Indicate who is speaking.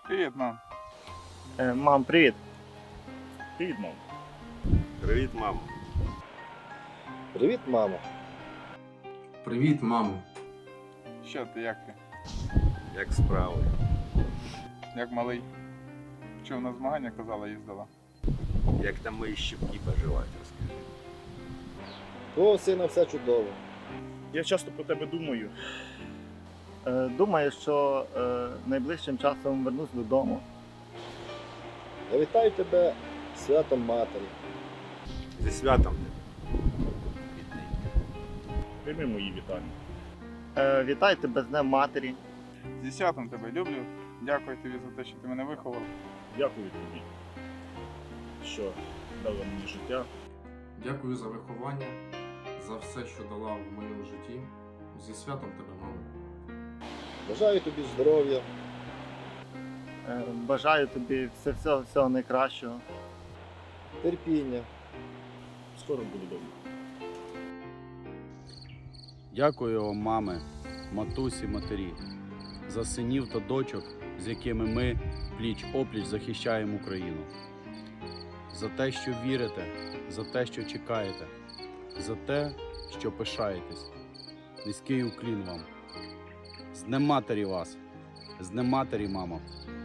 Speaker 1: Привіт, мам.
Speaker 2: Мам, привіт.
Speaker 3: Привіт, мам.
Speaker 4: Привіт, мамо.
Speaker 5: Привіт, мамо.
Speaker 6: Привіт, мамо.
Speaker 1: Що ти, як ти?
Speaker 4: Як справи?
Speaker 1: Як малий? Чув, на змагання, казала, їздила.
Speaker 4: Як там мої щіпки поживають, розкажи.
Speaker 5: Твого сина все чудово.
Speaker 3: Я часто про тебе думаю.
Speaker 2: Думаю, що найближчим часом вернусь додому.
Speaker 5: Я вітаю тебе з святом матері.
Speaker 4: Зі святом тебе. Бідненька.
Speaker 3: Прийми мої вітання.
Speaker 2: Вітаю тебе з Днем Матері.
Speaker 1: Зі святом тебе люблю. Дякую тобі за те, що ти мене виховав.
Speaker 3: Дякую тобі, що дала мені життя.
Speaker 6: Дякую за виховання, за все, що дала в моєму житті. Зі святом тебе, мамо.
Speaker 5: Бажаю тобі здоров'я,
Speaker 2: Бажаю тобі всього найкращого.
Speaker 5: терпіння.
Speaker 3: Скоро буду вдома.
Speaker 7: Дякую вам, мами, матусі, матері, за синів та дочок, з якими ми пліч-опліч захищаємо Україну. За те, що вірите, за те, що чекаєте, за те, що пишаєтесь. Низький уклін вам. З Днем Матері вас! З Днем Матері, мамо!